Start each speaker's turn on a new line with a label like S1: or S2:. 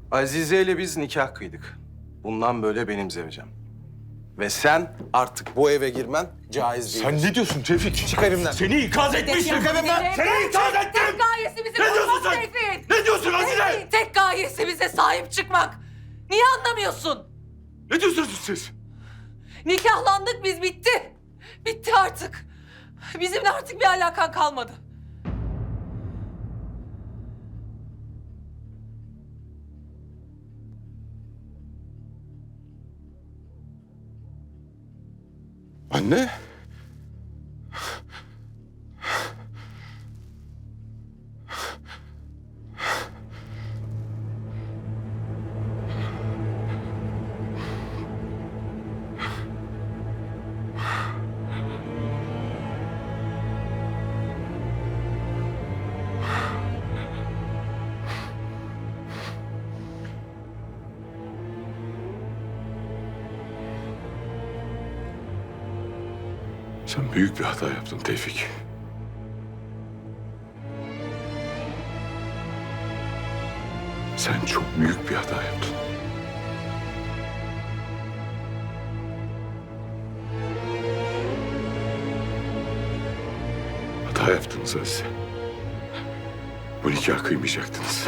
S1: Azize ile biz nikah kıydık. Bundan böyle benim zevcem. Ve sen artık bu eve girmen caiz değil.
S2: Sen ne diyorsun Tevfik?
S1: Çık evimden.
S2: Seni ikaz etmiştim. Seni ikaz ettim.
S3: Tek gayesi bizi
S2: Ne diyorsun
S3: korumak
S2: sen?
S3: Tevfik.
S2: Ne diyorsun Azize?
S3: Tek gayesi bize sahip çıkmak. Niye anlamıyorsun?
S2: Ne diyorsunuz siz?
S3: Nikahlandık biz, bitti. Bitti artık. Bizimle artık bir alakan kalmadı.
S2: Anne. Sen büyük bir hata yaptın Tevfik. Sen çok büyük bir hata yaptın. Hata yaptınız Azize. Bu nikahı kıymayacaktınız.